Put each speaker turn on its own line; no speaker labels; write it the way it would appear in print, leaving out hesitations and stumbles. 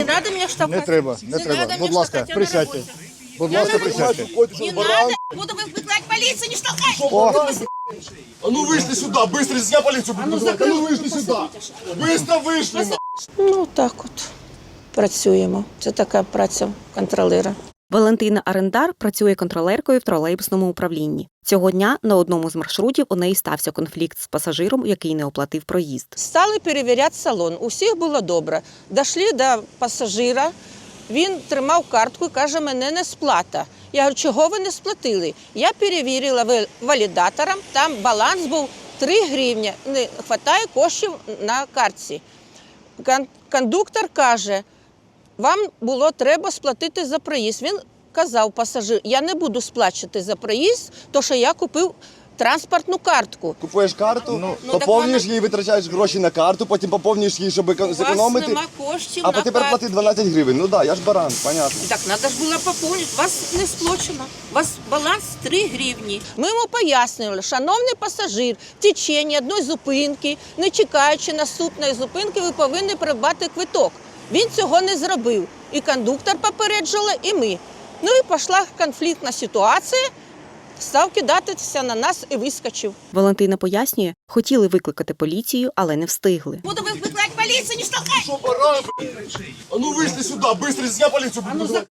Не треба мене штовхати.
Не треба, не треба. Будь ласка, присядьте. Будь ласка, присядьте.
Не надо, буду викликати поліцію, не штовхай.
А ну вышли сюда, быстро, здесь я полицию буду вызывать. А ну вышли сюда. Быстро вышли.
Ну, так от працюємо. Це така праця контролера.
Валентина Арендар працює контролеркою в тролейбусному управлінні. Цього дня на одному з маршрутів у неї стався конфлікт з пасажиром, який не оплатив проїзд.
Стали перевіряти салон. У всіх було добре. Дійшли до пасажира, він тримав картку і каже, мене не сплата. Я говорю, чого ви не сплатили? Я перевірила валідатором, там баланс був 3 гривні, не вистачає коштів на картці. Кондуктор каже, вам було треба сплатити за проїзд. Він казав пасажир, я не буду сплачувати за проїзд, тому що я купив транспортну картку.
Купуєш карту, поповнюєш її, витрачаєш гроші на карту, потім поповнюєш її, щоб зекономити.
У вас нема коштів
А
на
тепер плати 12 гривень. Ну так, я ж баран, понятно.
Так, треба ж було поповнити. У вас не сплачено. У вас баланс 3 гривні.
Ми йому пояснювали, шановний пасажир, в течение одної зупинки, не чекаючи наступної зупинки, ви повинні придбати квиток. Він цього не зробив. І кондуктор попереджувала, і ми. Ну і пішла конфліктна ситуація, став кидатися на нас і вискочив.
Валентина пояснює, хотіли викликати поліцію, але не встигли.
Буду викликати поліцію, не штовхай.
Что, баран? А ну вышли сюда, быстро, здесь я полицию буду вызывать.